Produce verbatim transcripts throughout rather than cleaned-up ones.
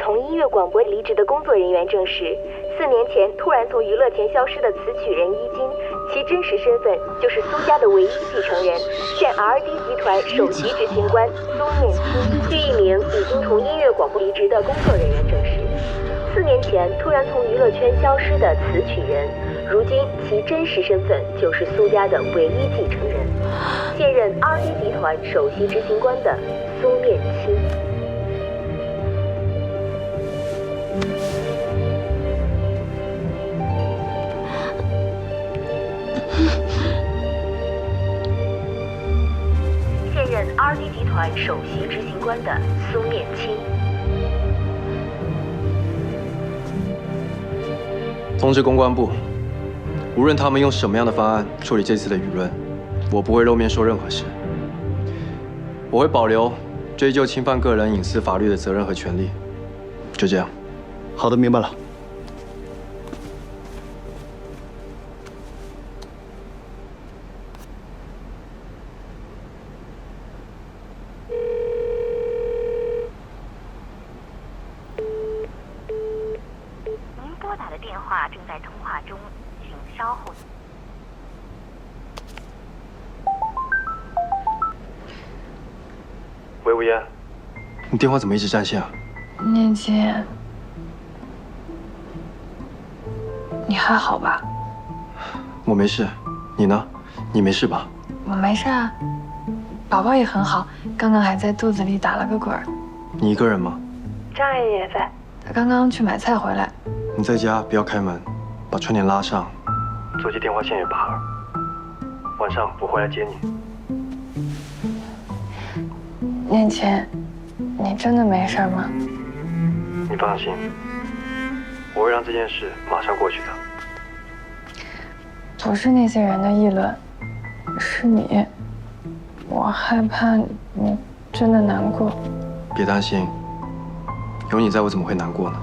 从音乐广播离职的工作人员证实，四年前突然从娱乐圈消失的词曲人伊金，其真实身份就是苏家的唯一继承人，现 R D 集团首席执行官苏念青。据一名已经从音乐广播离职的工作人员证实，四年前突然从娱乐圈消失的词曲人，如今其真实身份就是苏家的唯一继承人，现任 R D 集团首席执行官的苏念青。现任 R D 集团首席执行官的苏念青。 通知公关部，无论他们用什么样的方案处理这次的舆论，我不会露面说任何事。我会保留追究侵犯个人隐私法律的责任和权利。就这样。 好的，明白了。 您拨打的电话正在通话中，请稍后。 喂，吴嫣，你电话怎么一直占线啊？ 念青，你还好吧？ 我没事，你呢？你没事吧？ 我没事啊，宝宝也很好，刚刚还在肚子里打了个滚儿。 你一个人吗？ 张阿姨也在，她刚刚去买菜回来。 你在家不要开门，把窗帘拉上，座机电话线也拔了。晚上我回来接你。 念青，你真的没事吗？ 你放心，我会让这件事马上过去的。 不是那些人的议论，是你，我害怕你真的难过。 别担心，有你在，我怎么会难过呢？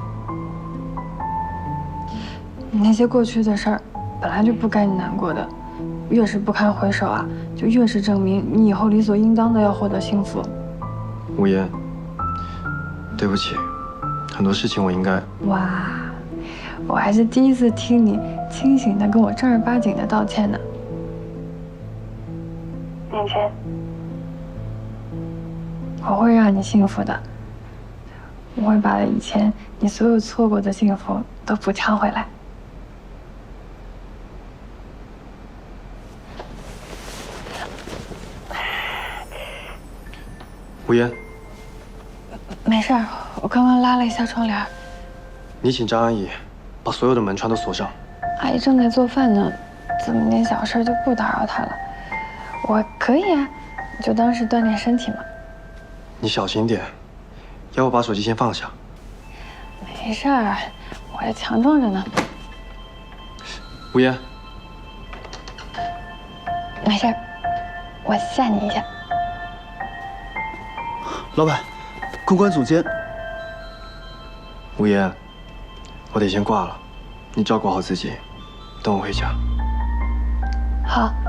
那些过去的事儿，本来就不该你难过的，越是不堪回首啊，就越是证明你以后理所应当的要获得幸福。 吴嫣，对不起，很多事情我应该…… 哇，我还是第一次听你清醒的跟我正儿八经的道歉呢。念青，我会让你幸福的，我会把以前你所有错过的幸福都补偿回来。 吴嫣， 没事儿，我刚刚拉了一下窗帘。 你请张阿姨把所有的门窗都锁上。 阿姨正在做饭呢，这么点小事就不打扰她了。我可以啊，你就当是锻炼身体嘛。 你小心点，要不把手机先放下。 没事儿，我还强壮着呢。 吴嫣， 没事儿，我吓你一下。 老板，公关总监。 吴嫣，我得先挂了，你照顾好自己，等我回家。 好。